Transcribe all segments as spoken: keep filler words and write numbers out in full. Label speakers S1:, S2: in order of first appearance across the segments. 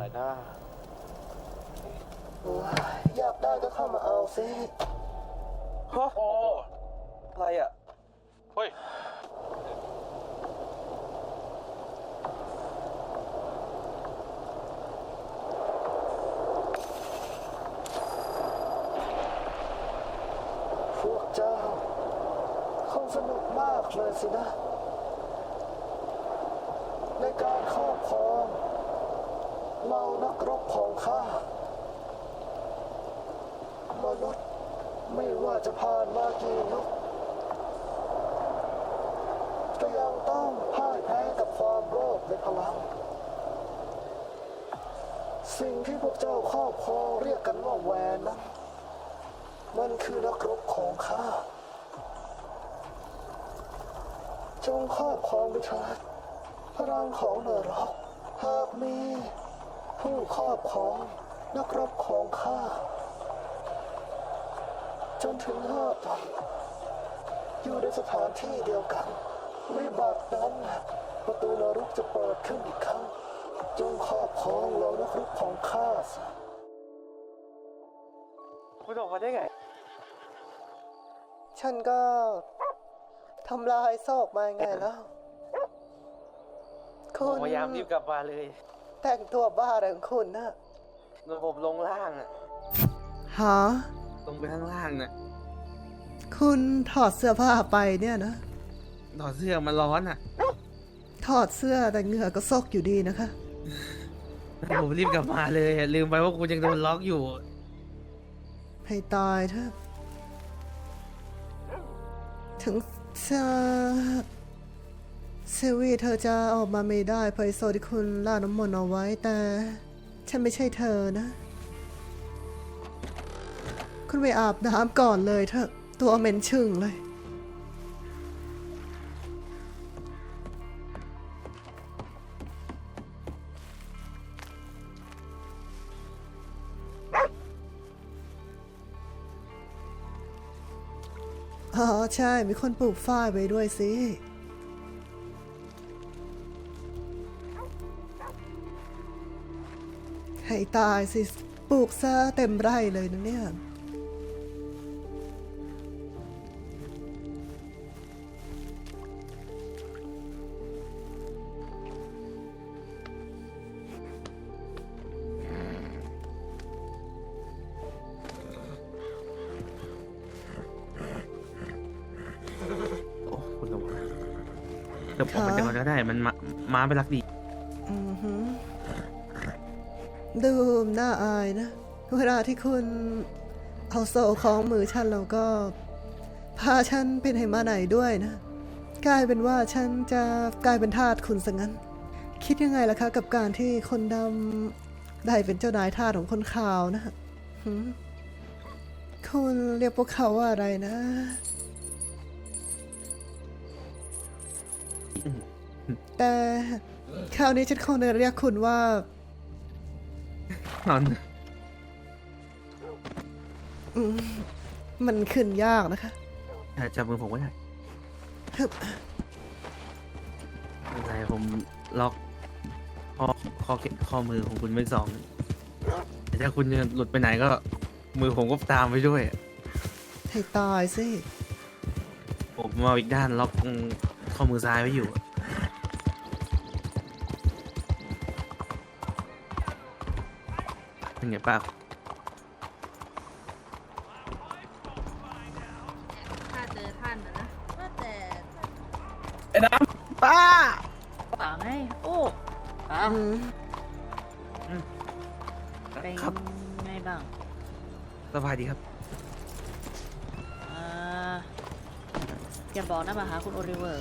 S1: อยนะ
S2: อยากได้ก็เข้ามาเอาสิ
S1: ฮะโอ้อะไรอ่ะเฮ้ย
S2: พวกเจ้าคงสนุกมากเลยสินะในการครอบครองเหล่านักรบของข้ามนุษย์ไม่ว่าจะผ่านมากี่ยุคก็ยังต้องพ่ายแพ้กับความโลภในพลังสิ่งที่พวกเจ้าครอบครองเรียกกันว่าแวนนั้นมันคือนักรบของข้าจงครอบครองไปเถิดพลังของนรกหากมีผู้ครอบครองนักรบของข้าจนถึงห้าตนอยู่ในสถานที่เดียวกันวิบัตินั้นประตูนรกจะเปิดขึ้นอีกครั้งจงครอบครองเหล่านักรบของข้าซะ
S1: คุณออกมาได้ไง
S2: ฉันก็ทำลายซอกมาไงแล้วคุณ
S1: พยายามรีบกลับมาเลย
S2: แต่งตัวบ้าอะไรของคุณนะ
S1: ระบบลงล่างอ่ะ
S2: ฮะ
S1: ลงไปข้างล่างน่ะ
S2: คุณถอดเสื้อผ้าไปเนี่ยนะ
S1: ถอดเสื้อมันร้อนอ่ะ
S2: ถอดเสื้อแต่เหงื่อก็ซกอยู่ดีนะคะ
S1: ผมรีบกลับมาเลยลืมไปว่าคุณยังโดนล็อกอยู่
S2: ให้ตายเถอะถึงเซเซวีเธอจะออกมาไม่ได้เพราะไอ้โซที่คุณล่าน้ำมนต์เอาไว้แต่ฉันไม่ใช่เธอนะคุณไปอาบน้ำก่อนเลยเถอะตัวเหม็นชึ่งเลยอ๋อใช่มีคนปลูกฝ้ายไว้ด้วยสิให้ตายสิปลูกซะเต็มไร่เลยนะเนี่ย
S1: โอ้คุณระวังเดี๋ยวผมไปก่อนก็ได้มันมาม้าไปรักดี
S2: อือหือดูน่าอายนะเวลาที่คุณเอาโซ่ของมือฉันแล้วก็พาฉันเป็นให้มาไหนด้วยนะกลายเป็นว่าฉันจะกลายเป็นทาสคุณซะงั้นคิดยังไงล่ะคะกับการที่คนดำได้เป็นเจ้านายทาสของคนขาวนะหืมคุณเรียกพวกเขาว่าอะไรนะแต่คราวนี้ฉันคงจะเรียกคุณว่าน
S1: อน
S2: อืมมันขึ้นยากนะคะ
S1: จับมือผมก็ได้อะไรผมล็อกข้อข้อข้อมือของคุณไว้สองแต่ถ้าคุณจะหลุดไปไหนก็มือผมก็ตามไปด้วย
S2: ให้ตายสิ
S1: ผมมาอีกด้านล็อกข้อมือซ้ายไว้อยู่เป็นไงป้า
S3: ถ้าเจอท่านนะนะว่าแต่
S1: ไอ้น้ำป้า
S3: ป่าไงโอ้อ่ะเป็นไงบ้าง
S1: สบายดีครับ
S3: อ่าอย่าบอกนะมาหาคุณโอลิเวอร์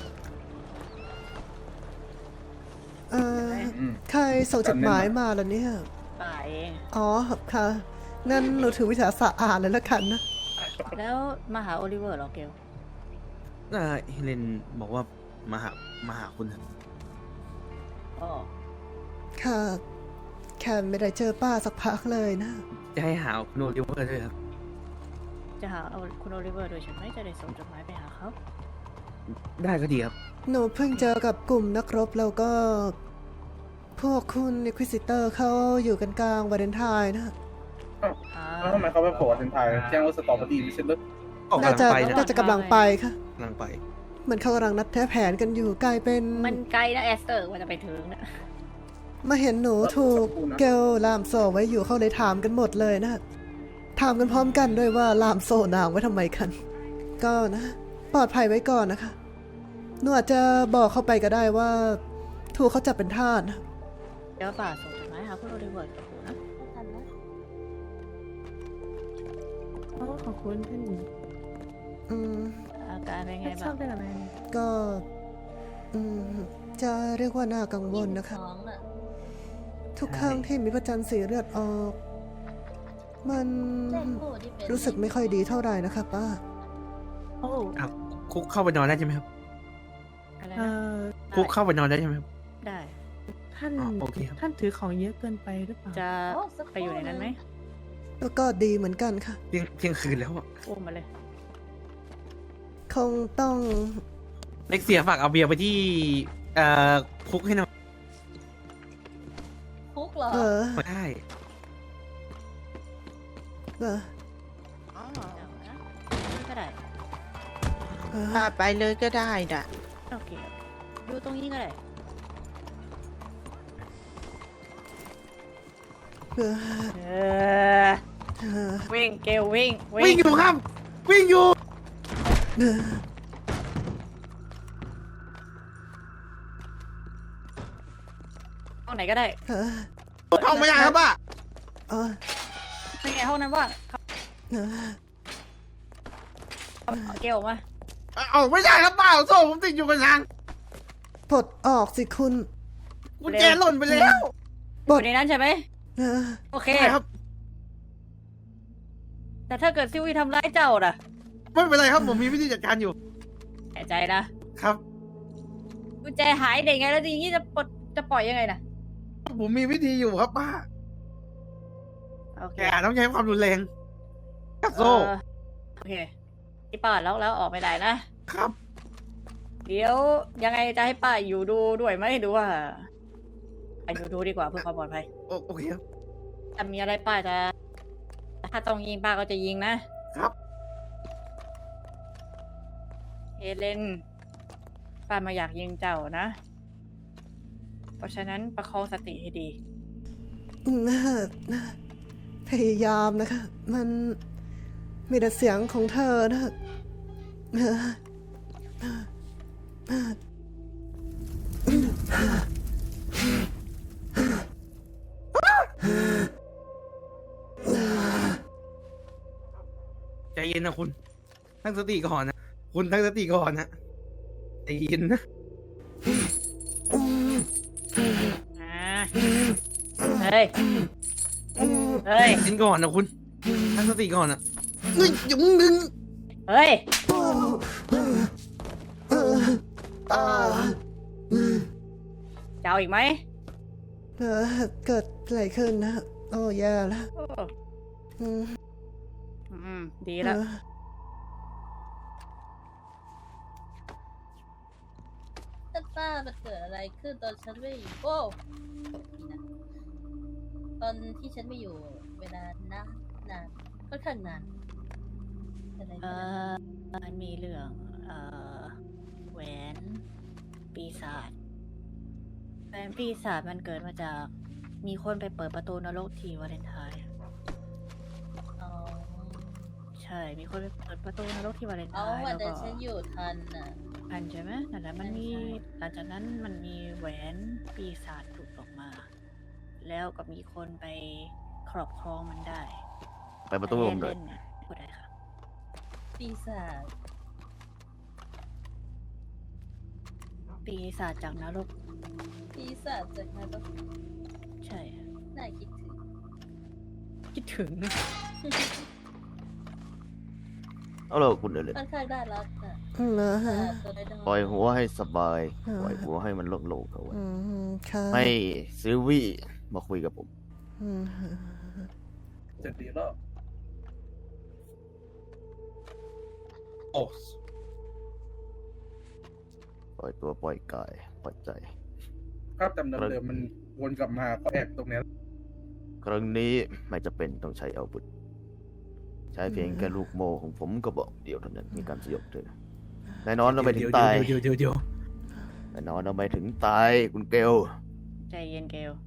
S2: เออใครส่งจดหมายมาล่ะเนี่ย
S3: ป่าเอง
S2: อ๋อค่ะงั้นหนูถือวิชาศาสตร์อ่านเลยละกันนะ
S3: แล้วมาหาโอลิเวอร์หรอเกล
S1: น่าเฮเลนบอกว่ามาหามาหาคุณครับ
S3: อ๋อ
S2: ค่ะแค่ไม่ได้เจอป้าสักพักเลยนะ
S1: จะให้หาคุณโอลิเวอร์ด้วยครับ
S3: จะหาคุณโอลิเวอร์โดยฉันไม่จะได้ส่งจดหมายไปหาเขา
S1: ได้ก็ดีครับ
S2: หนูเพิ่งเจอกับกลุ่มนักรบแล้วก็พวกคุณอิควิซิเตอร์เขาอยู่กันกลางวาเลนไทน์นะ
S3: อ่า
S4: แล้วทำไมเขาไปโผล่ถึงไทยแจ้งว่าสตอเบอรี่ไม่ใช่เหรอ
S1: ออก
S2: น่าก
S1: ำลั
S2: จะ
S1: งไปนะ
S2: น่าจะกำลังไปค่ะ
S1: กำลังไป
S2: เหมือนเขากำลังนัดแท้แผนกันอยู่กลายเป็น
S3: มันไกลนะแอสเตอร์กว่าจะไปถึงนะ
S2: มาเห็นหนูถูกเกลลามโซไว้อยู่เขาเลยถามกันหมดเลยนะถามกันพร้อมกันด้วยว่าลามโซนางไว้ทำไมกัน ก็นะ ปลอดภัยไว้ก่อนนะคะหนูอาจจะบอกเข้าไปก็ได้ว่า ถูกเขาจับเป็นทาสนะ
S3: เดี๋ยวป่าส่งจดหมายหาคุณโอลิเวิร์ดกับคุณนะทันนะ
S5: โอ้ขอบคุณท่าน
S2: อืม
S3: อาการเป็นไง
S5: ช
S3: บ้า
S5: อบ
S3: ง
S5: ได้หรือไม่
S2: ก็ อืม จะเรียกว่าน่ากังวลนะคะ
S3: ท้องน่ะ
S2: ทุกครั้งที่มีพระจันทร์สีเลือดออก มันรู้สึกไม่ค่อยดีเท่าไหร่นะคะป้า
S5: โอ้
S1: ครับคุกเข้าไปนอนได้ใช่ไหมครับ
S3: อะไร
S5: เอ่
S3: นะ
S5: อ
S1: คุกเข้าไปนอนได้ใช่ไหมครับ
S3: ได้
S5: ท่าน
S1: อ๋อโอเคครับ
S5: ท่านถือของเยอะเกินไปหรือเปล่า
S3: จะไปอยู่ในนั้นไหม
S2: แล้วก็ดีเหมือนกันค่ะ
S1: เที่ยงเที่ยงคืนแล้วอะ
S3: อุ้มมาเลย
S2: คงต้อง
S1: เล็กเสียฝากเอาเบียร์ไปที่เอ่อคุกให้หน่อย
S3: คุกเหรอ
S2: เออ
S1: ได้
S2: เออ
S3: ก็ได้
S2: เออ
S6: พาไปเลยก็ได้น่ะ
S3: โอเคดูตรงนี้ก็ได้
S2: เออ
S3: เออ
S2: เออ
S3: วิ่งเกลวิ่ง
S1: วิ่งอยู่ครับ วิ่งอยู่
S2: เออ
S3: ห้องไหนก็ได้
S2: เออ
S1: เข้าไม่ได้ครับป้า
S2: เออ
S3: เป็นไงห้องนั้นว่าง
S2: เออ
S3: เอาเกลออกมา
S1: เอาไม่ได้ครับป้าโซ่ผมติดอยู่กับทาง
S2: ปลดออกสิคุณ
S1: กุญแจหล่นไปแล้ว
S2: ปล
S3: อ
S2: ด
S3: ยู่ในนั้นใช่ไหม
S2: เออ
S3: โอเค
S1: ใช่ครับ
S3: แต่ถ้าเกิดซิวี่ทำร้ายเจ้าน่ะ
S1: ไม่เป็นไรครับผมมีวิธีจัดการอยู่
S3: แน่ใจนะครับ กุญแจหายได้ไงแล้วทีนี้จะปลดจะปล่อยยังไงนะ
S1: ผมมีวิธีอยู่ครับป้า
S3: โอเค
S1: แกต้องใช้ความรุนแรงกับโซ่
S3: เออโอเคที่ป้าล็อกแล้วออกไม่ได้นะ
S1: ครับ
S3: เดี๋ยวยังไงจะให้ป้าอยู่ดูด้วยไหมหรือว่าไปอยู่ดูดีกว่าเพื่อความปลอดภัย
S1: โอโอเคครับ
S3: ถ้ามีอะไรป้าจะ ถ้าต้องยิงป้าก็จะยิงนะครับ เฮเลนป้าไมาอยากยิงเจ้านะ เพราะฉะนั้นประคองสติให้ดี
S2: น่าพยายามนะคะ มันมีแต่เสียงของเธอนะเออเออ
S1: ใจเย็นนะคุณตั้งสติก่อนนะ คุณตั้งสติก่อนนะใจเย็นนะ
S3: อ่าเฮ้ย เฮ้ย
S1: ใจเย็นก่อนนะคุณตั้งสติก่อนนะเฮ้ยอย่ามึงดึง
S3: เฮ้ย
S2: อ่า
S3: จะเอาอีกไหม
S2: เออเกิดอะไรขึ้นนะ โอ้แย่แล้ว
S3: โอ้
S2: อืม
S3: อืม ดีแล้ว
S2: เออ
S7: ท่านป้ามันเกิดอะไรขึ้นตอนฉันไม่อยู่โอ้นี่นะตอนที่ฉันไม่อยู่ เวลานานนานค่อนข้างนานอะไร
S3: เอ
S7: กันนะ
S3: อมันมีเรื่อง เอ่อ แหวน ปีศาจ แหวนปีศาจมันเกิดมาจาก มีคนไปเปิดประตูนรกที่วาเลนไทน์
S7: อ๋อ
S3: ใช่ มีคนไปเปิดประตูนรกที่วาเลนไท
S7: เอา
S3: น์
S7: วั
S3: แล้
S7: น
S3: วก็
S7: นั้นฉันอยู่ทันน่ะ
S3: อันใช่ไหมนั่นแหละมันมี หลังจากนั้นมันมีแหวนปีศาจหลุดออกมา แล้วก็มีคนไปครอบครองมันได้
S8: ไปประตูลมเลย
S3: เล่นเนี่ยพูดได้ค่ะ
S7: ปีศาจ
S3: ปีศาจจากนรก
S7: ปีศาจจากนรก
S3: ใช่
S7: น่าคิดถึง
S3: คิดถึง
S8: เอาเลยคุณเอเลย
S7: ค่อนข้างน่ารักน่ะ
S2: อืมเหรอฮะ
S7: อ่าตัวน้อยๆ
S8: ปล่อยหัวให้สบาย
S2: อ่า
S8: ปล่อยหัวให้มันโล่งๆเอาไว้
S2: อืมค่ะ
S8: ให้ซิลวี่มาคุยกับผม
S2: อืม
S4: จะดีแล้ว
S1: โอ้
S8: ปล่อยตัวปล่อยกายปล่อยใจ
S4: ภาพจำเดิมๆมันวนกลับมาก็แอบตรงเนี้ย
S8: ครั้งนี้ไม่จะเป็นต้องใช้อาวุธ ใช้เพียงแค่ลูกโม่ของผมก็บอกเดียวเท่านั้นมีการสยบเธอแน่นอนเราไม่ถึงตาย
S1: เดี๋ยวเดี๋ยวเดี๋ยว
S8: แน่นอนเราไม่ถึงตายคุณเกล
S3: ใจเย็นเกล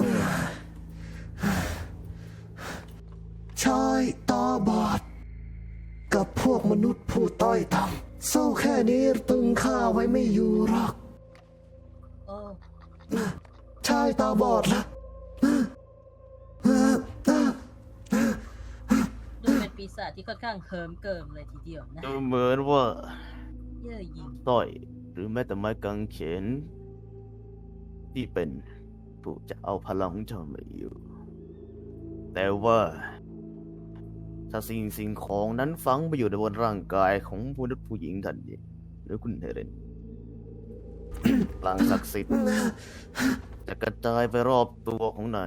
S2: ชายตาบอด กับพวกมนุษย์ผู้ต้อยต่ำสู้แค่นี้ตึงข้าไว้ไม่อยู่หรอก
S7: โอ้
S2: ชายตาบอดละ
S7: ดูเป็นปีศาจที่ค่อนข้างเฮิมเกิมเลยทีเดียวนะ
S8: ดูเหมือนว่า
S7: เย่อหยิ่ง
S8: สร้อยหรือแม้แต่ไม้กางเขน ที่เป็นผู้จะเอาพลังของเจ้ามาอยู่ แต่ว่า ถ้าสิ่งสิ่งของนั้นฝังไปอยู่ในบนร่างกายของผู้นุษย์ผู้หญิงท่านนี้หรือคุณเฮเลน พลังศักดิ์สิทธิ์จะกระจายไปรอบตัวของนาง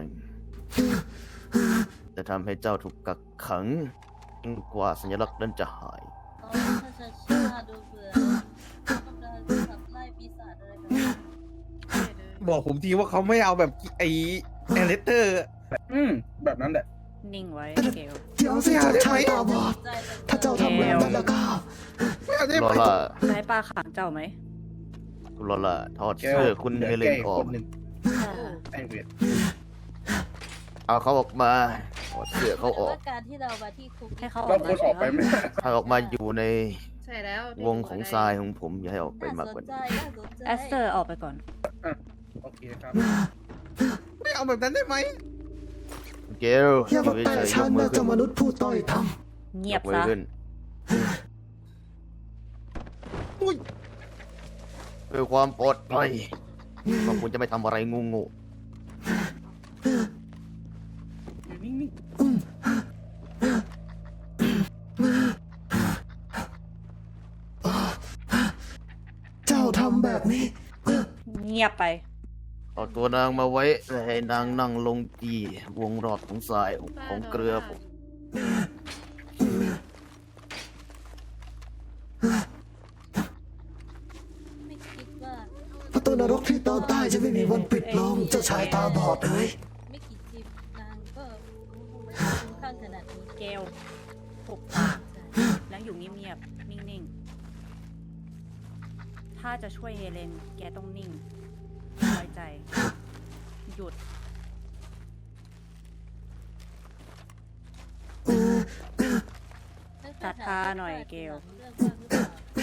S8: จะทำให้เจ้าถูกกักขังจนกว่าสัญลักษณ์นั้นจะหาย
S7: อ๋อถ้าจะชาดูเบื่อต้องการขับไล่ปีศาจอะไรแบบนี้
S1: บอกผมทีว่าเขาไม่เอาแบบไอ้แอเลสเตอร์
S4: อืมแบบนั้นแหละ
S3: นิ่งไว้เกล
S2: เดี๋ยวสิเจ้าชายตาบอด
S7: ใจจัง
S2: ถ้าเจ้าทำแบบนั้นแล้วก็
S1: ไม่เอาได้
S8: ลอ
S1: ไหม
S8: ล่า
S3: ใช้ปลาขังเจ้าไหม
S8: คุณลอล่าถอด
S4: แก้ว
S8: เสื้อคุณ
S4: หลื
S8: เฮเล
S4: แก้
S8: น
S4: อีก
S8: ออ
S4: ค
S8: ก
S4: นหนึ่ง
S3: ค่ะ
S4: ไอเวียด
S8: เอาเขาออกมาถอดเสื้อเขาออก
S7: ว่าการที่เรามาที่คุก
S3: ให้เขาอ
S4: เรา
S3: อก
S4: ค
S3: มาน
S4: ออกไปไหม
S8: ให้ออกมาอยู่ใน
S5: ใช่แล้ว
S8: วงของทรายของผมอย่าให้ออกไปมาก
S7: น่าก ส
S8: ว่าน
S7: ใจ
S8: นี้
S7: น่าสนใจ
S3: แอสเตอร์ออกไปก่อน
S4: โอเคครับ
S1: ไม่เอาแบบนั้นได้ไหม
S8: เกล
S2: อย่ามา
S8: อยู่
S2: แตะ
S8: เฉยๆย
S2: ฉั
S8: ก
S2: น
S8: มื
S2: นะ
S8: อขึ้
S2: เจ้าน มนุษย์ผู้ต้อยต่
S3: เงียบ
S8: กมือ
S3: ซะ
S8: ขึ้น
S1: อุ้ย
S8: เพื่อความปลอดภัยว่าคุณจะไม่ทำอะไรงูงู
S4: อยู่นิ่ง
S2: ำเจ้าทำแบบนี้
S3: เงียบไป
S8: เอาตัวนางมาไว้และให้นางนั่งลงที่วงรอบของทรายของเกลือผม
S7: ไม่คิดว่า
S2: ประตูนรกที่ตอนใต้จะไม่มีวันปิดลงเจ้าชายตาบอดเอ้ย
S7: ไม่กี่จิบนางก็คุ้มข้างขนาดนี้
S3: เกลปุบปากแล้วอยู่เงียบๆ นิ่งๆ ถ้าจะช่วยเฮเลน แกต้องนิ่งไว้ใจ หยุด ตัดตาหน่อยเกล
S7: เรื่องว่าหรือเปล่า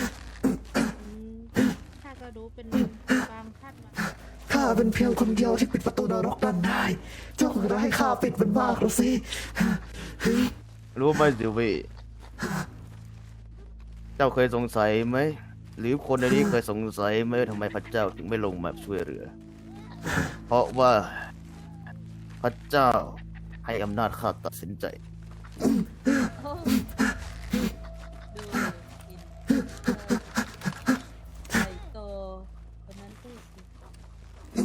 S5: ข้าก็รู้เป็นความคาดหวัง
S2: ข้าเป็นเพียงคนเดียวที่ปิดประตูนรกนั้นได้ เจ้าคงจะให้ข้าปิดมันมากหรือสิ
S8: รู้ไหมซิลวี่เจ้าเคยสงสัยไหม หรือคนในนี้เคยสงสัยไหมว่าทำไมพระเจ้าถึงไม่ลงมาช่วยเหลือ เพราะว่าพระเจ้าให้อำนาจข้าตัดสินใจ
S7: โอ้ดูอินใหญ่โตคนนั้นพูดสิ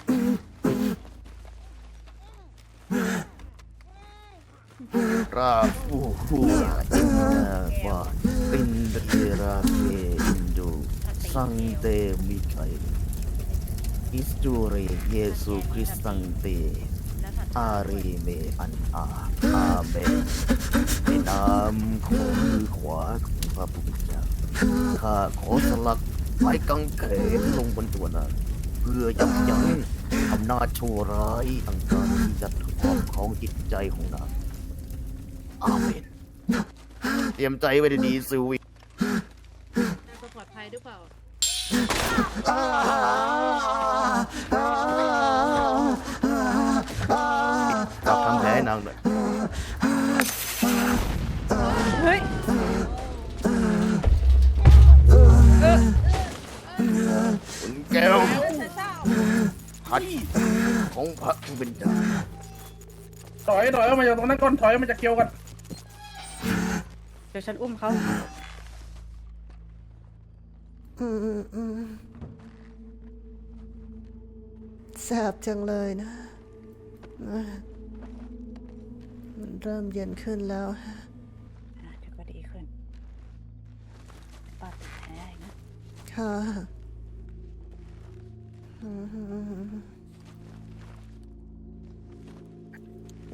S8: ราฟูฟูอินาบาอินเดราเกอินโดสังเตมิไคอิสตูเรเยซูคริสตังเต
S3: แล้วถัด
S8: อารีเมอันอาอาเมนในนามของมือขวาของพระผู้เป็นเจ้าข้าขอสลักไม้กางเขนลงบนตัวนางเพื่อยับยั้งอำนาจชั่วร้ายต่างๆที่จะครอบครองจิตใจของนางอาเมนเตรียมใจไว้ดีๆซิวี
S5: จะปลอดภัยหรือเปล่า
S2: อ่าอ่าอ่า
S8: จับทำแผลให้นางหน่อย
S3: เฮ้ย
S8: คุณแก้วพัดของพระผู้เป็นเจ้า
S4: ๆถอยถอยออกมาจากตรงนั้นก่อนถอยออกมาจากเกียวกัน
S3: เดี๋ยวฉันอุ้มเขา
S2: อืมอืมแสบจังเลยนะ มันเริ่มเย็นขึ้นแล้วฮะ
S3: อ่ะเดี๋ยวก็ดีขึ้นปาดติดแผลอีกนะ
S2: ค่ะอืม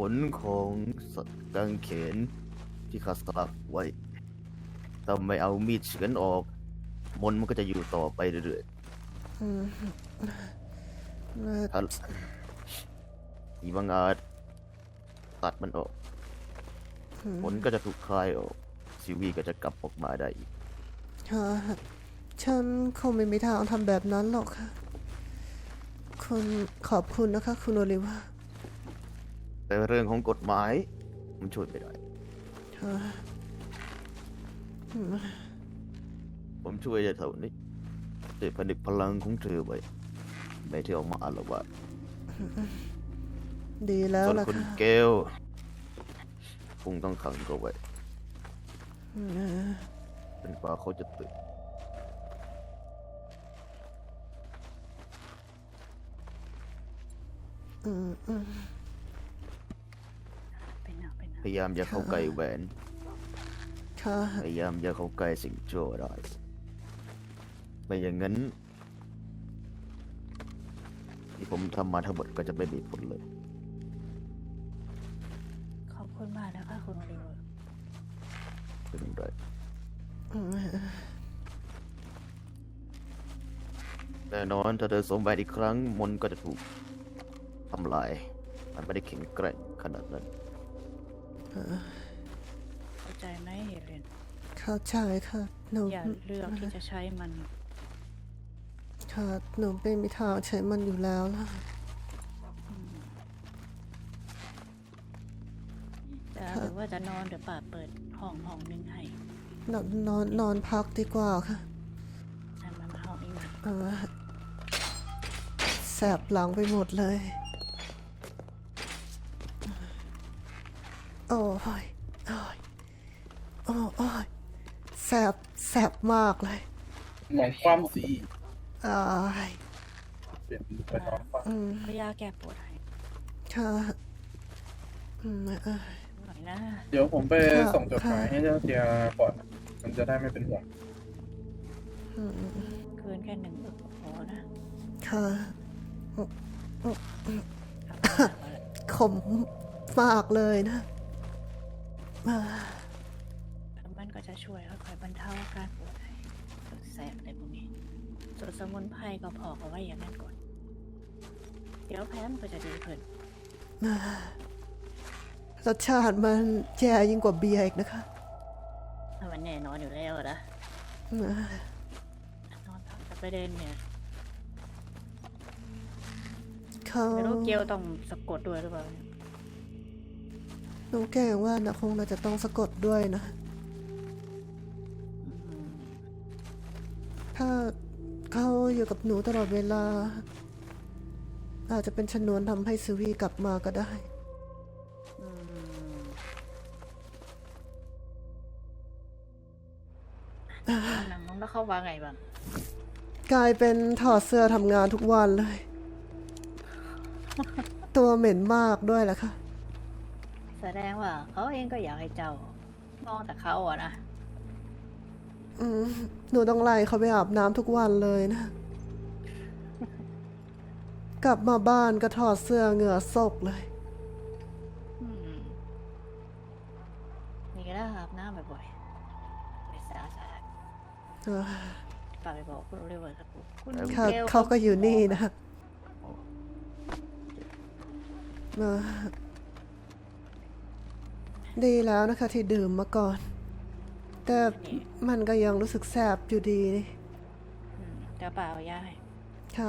S8: ลของกางเขนที่ข้าสลักไว้ถ้าไม่เอามีดเฉือนออก มนต์มันก็จะอยู่ต่อไปเรื่อย
S2: อืมเอ่อ
S8: ๆถ้าอีบังอาจตัดมันออก
S2: อืม
S8: มนต์ก็จะถูกคลายออกซิวีก็จะกลับออกมาได้อีก
S2: ค่ะฉันคงไม่มีทางทำแบบนั้นหรอกค่ะ คุณขอบคุณนะคะ คุณโอลิเวอร์
S8: แต่เรื่องของกฎหมายมันช่วยไม่ได้
S2: ค่ะอืม
S8: ผมช่วยได้เท่านี้ด้วยผนึกพลังของเธอไว้ ไม่เที่ยวมาอาละวาด
S2: ดีแล้ว
S8: ส่วน
S2: ล่ะ
S8: คุณ
S2: ค่ะ
S8: เกลคงต้องขังเขาไว้
S2: อืม
S8: เป็นกว่าเขาจะตื่น
S2: อืมอืม
S3: เป็นเอาเป็นเอา
S8: พยายามอย่าเข้าใกล้แหวน
S2: ค่ะ
S8: พยายามอย่าเข้าใกล้สิ่งชั่วร้ายไม่อย่างนั้น ที่ผมทำมาทั้งหมดก็จะไม่มีผลเลย
S3: ขอบคุณมากนะคะคุณโอลิเวอร์
S8: เป็นไร
S2: อืม
S8: แน่นอนถ้าเธอสวมแหวนอีกครั้ง มนต์ก็จะถูกทำลาย มันไม่ได้แข็งแกร่งขนาดนั้น
S3: เข้าใจไหมเฮเลน
S2: เข้าใจค่ะหนู
S3: อย่าเลือกที่จะใช้มัน
S2: ค่ะหนูไม่มีทางใช้มันอยู่แล้วล่ะ
S3: จะหรือว่าจะนอนหรือป่าเปิดห้องห้องนึงให้
S2: นอนนอนนอนพักดีกว่าค่ะ
S3: ให้มันห้องนี้มา
S2: เออแสบหลังไปหมดเลย โอ้ยโอ้ยโอ้โอ้ยแสบแสบมากเลย
S4: หมองความสี
S2: อ้าย
S4: เปลี่ยนไปนอนความ
S2: อืม
S3: พยาแก้ปวดให้
S2: ค่ะอืมเอ้ย
S3: หน่อยนะ
S4: เดี๋ยวผมไป
S2: ค่ะ
S4: ส่งจดหมาย
S2: ค่ะ
S4: ให้เจ้าเทียก่อน มันจะได้ไม่เป็นห่วง
S2: อืม
S3: คืนแค่หนึ่งอึกก็พอนะ
S2: ค่ะ
S3: ทำงานมาแล้ว
S2: ขมมากเลยนะอ่า
S3: แล้วมันก็จะช่วยค่อยๆบรรเทาอาการปวดให้ปวดแสบอะไรพวกนี้ ส่วนสมุนไพรก็พอกเอาไว้อย่างนั้นก่อน เดี๋ยวแพ้มันก็จะดีขึ้น
S2: อ่ารสชาติมันแย่ยิ่งกว่าเบียร์อีกนะคะ
S3: ถ้ามันแน่นอนอยู่แล้วนะ
S2: อ่าน
S3: อนพักแต่ประเด็นเนี่ย
S2: เขา
S3: ไม่รู้เกลต้องสะกดด้วยหรือเปล่าเนี่ย
S2: หนูแกล้งว่านะคงน่าจะต้องสะกดด้วยนะ
S3: อืม
S2: ถ้าเขาอยู่กับหนูตลอดเวลา อาจจะเป็นชนวนทำให้ซูวีกลับมาก็ได้
S3: อืมหนังน้องแล้วเขาว่าไงบ้าง
S2: กลายเป็นถอดเสื้อทำงานทุกวันเลย ตัวเหม็นมากด้วยแหละค่ะ
S3: แสดงว่าเขาเองก็อยากให้เจ้ามองแต่เขาอะนะ
S2: อืมหนูต้องไล่เขาไปอาบน้ำทุกวันเลยนะ กลับมาบ้านก็ถอดเสื้อเหงื่อซกเลย
S3: อืมนี่ก็ได้อาบน้ำบ่อยๆไปสะอาด
S2: เออ
S3: ๆฝากไปบอกคุณโอลิเวอร์สักปุ๊บคุณ
S2: เขา
S3: กล
S2: เขาก็อยู่นี่นะเออดีแล้วนะคะที่ดื่มมาก่อน แต่มันก็ยังรู้สึกแสบอยู่ดีนี่
S3: อืมเดี๋ยวป่าเอายาให้
S2: ค่ะ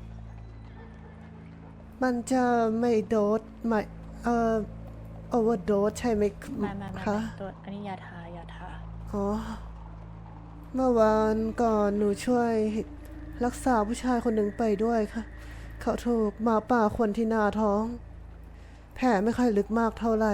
S2: มันจะไม่โดสไม่เอ่อโอเวอร์โดสใช่ไหม
S3: ไม่ไม่ไม่
S2: คะ
S3: ไม่ตัวอันนี้ยาทายาทา
S2: อ๋อ เมื่อวานก่อนหนูช่วยรักษาผู้ชายคนหนึ่งไปด้วยค่ะ เขาถูกหมาป่าคนที่หน้าท้อง แผลไม่ค่อยลึกมากเท่าไหร่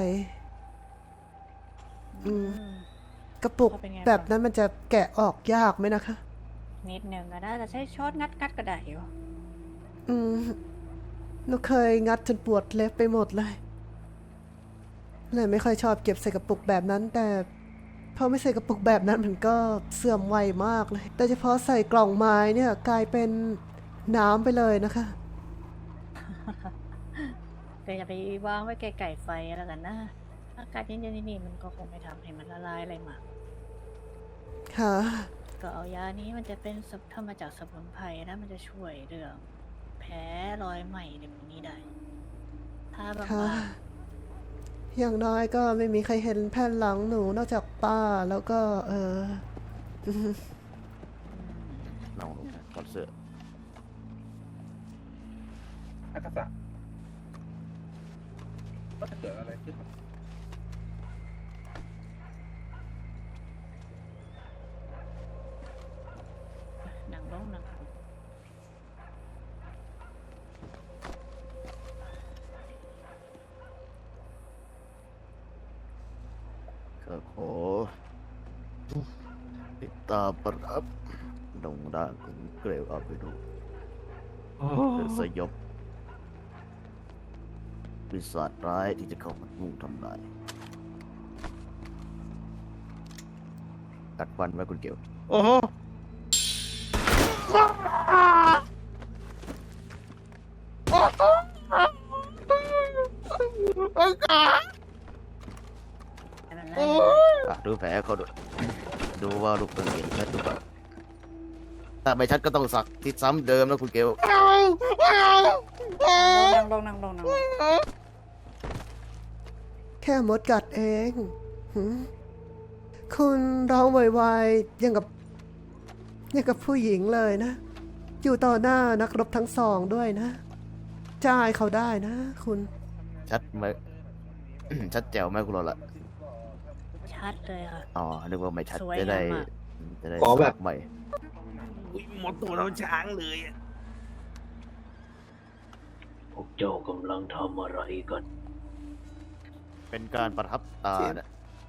S2: อืม
S3: อืม
S2: กระปุก
S3: เขาเป็นไง
S2: แบบ
S3: บ้าง
S2: นั้นมันจะแกะออกยากไหมนะคะ
S3: นิดหนึ่งก็ได้แต่ใช้ช้อนงัดงัดก็ได้อยู่
S2: อืมหนูเคยงัดจนปวดเล็บไปหมดเลย เลยไม่ค่อยชอบเก็บใส่กระปุกแบบนั้น แต่พอไม่ใส่กระปุกแบบนั้นมันก็เสื่อมไวมากเลย แต่เฉพาะใส่กล่องไม้เนี่ยกลายเป็นน้ำไปเลยนะคะ
S3: แต่อย่าไปวางไว้ไกลๆไฟแล้วกันนะ อากาศเย็นๆนี่มันก็คงไม่ทำให้มันละลายอะไรมาก
S2: ค่ะ
S3: ก็เอายานี้มันจะเป็นสมุนทำมาจากสมุนไพรนะมันจะช่วยเรื่องแผลรอยไหม้ในพวกนี้ได้ ถ้าบา
S2: ค่ะ
S3: ง
S2: อย่างน้อยก็ไม่มีใครเห็นแผ่นหลังหนูนอกจากป้าแล้วก็ เออ
S8: ลองลงถอดเสื้อ
S4: อากาศะก็จะเกิดอะไรขึ้น
S3: ๆหนังร้องหนัง
S8: ก็ขอติดตามประรับดงร่างของเกรวอาไปดู
S1: โอ้
S8: เพื่อสยบปีศาจร้ายที่จะเข้ามามุ่งทำลายกัดฟันไว้คุณเกล
S1: โอ้โห
S3: ไม่เป็นไร
S8: อ่ะดูแผลเขาด้วยดูว่าลูกเป็นเห็นชัดหรือเปล่าถ้าไม่ชัดก็ต้องสักที่ซ้ำเดิมนะคุณเกล
S3: นั่งลงนั่งลงนั่งลง
S2: แค่มดกัดเองหืมคุณร้องไวๆยังกับยังกับผู้หญิงเลยนะ อยู่ต่อหน้านักรบทั้งสองด้วยนะจ่ายเขาได้นะ คุณ
S8: ชัดไหม ชัดแจ๋วไหมคุณโรละ
S3: ชัดเลยค่ะ
S8: อ๋อนึกว่าไม่ชัด
S3: สวย
S8: จะได้
S3: งามอะ
S8: จะได้
S6: ขอแบบ
S8: สักใหม่
S1: อุ๊ยหมดตัวเราช้างเลยอะ
S6: พวกเจ้ากำลังทำอะไรกัน
S8: เป็นการประทับตานะ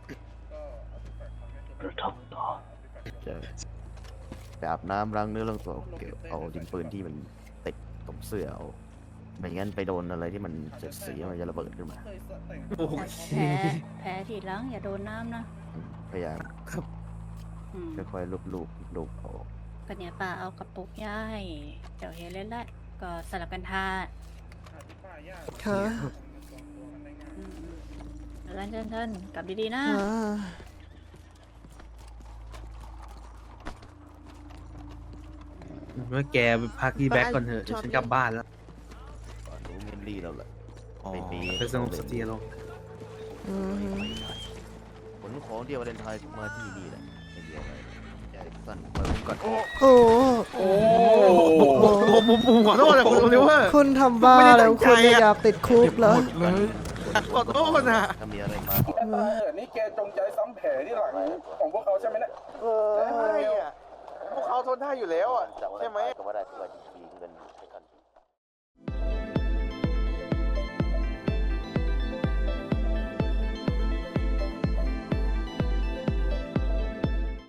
S6: ประทับตา
S8: จะไปอาบน้ำล้างเนื้อล้างตัวเกี่ยวเอาดินปืนที่มันติดตรงเสื้อเอาไม่งั้นไปโดนอะไรที่มันเสียดสีมันจะระเบิดขึ้นมา
S1: โอเค
S3: แผลแผลที่หลังอย่าโดนน้ำนะ
S8: พยายาม
S3: อืม
S8: ค่อยๆลูบลูบลูบเอา
S3: ก็เนี่ยป้าเอากระปุกย่าให้เดี๋ยวเฮเลนละก็สลับกันทา
S2: ค่ะ
S3: อืมๆแล้วกันเชิญๆกลับดีๆนะ
S2: อ่า
S1: เมื่อแกไปพักที่แบ็กก่อนเถอะเดี๋ยวฉันกลับบ้านแล้ว
S8: ก่อนรู้เมนลี่แล้วแหละ
S1: อ๋อ
S8: ไม่มี
S1: เพื่อสงบสติอารมณ์
S2: อืม
S8: ผลของเดียววาเลนไทน์มาที่นี่แหละไม่มีอะไรใจสั้นไว้ผมก่อนโอ้
S2: โอ้
S4: โอ้
S1: ผมผมผมขอโทษนะคุณโอลิเวอร์
S2: คุณทำบ้าแล้วคุณเนี่ยอยากติดคุกเหรอ
S1: ขอโทษนะ
S8: ถ้ามีอะไรมา
S4: แกตายเหรอนี่แกจงใจซ้ำแผลที่หลังของพวกเขาใช่ไหมเนี่ย
S8: เออพวกเขาทนได้อยู่แล้วอ่ะใช่ไหมก็ว่าได้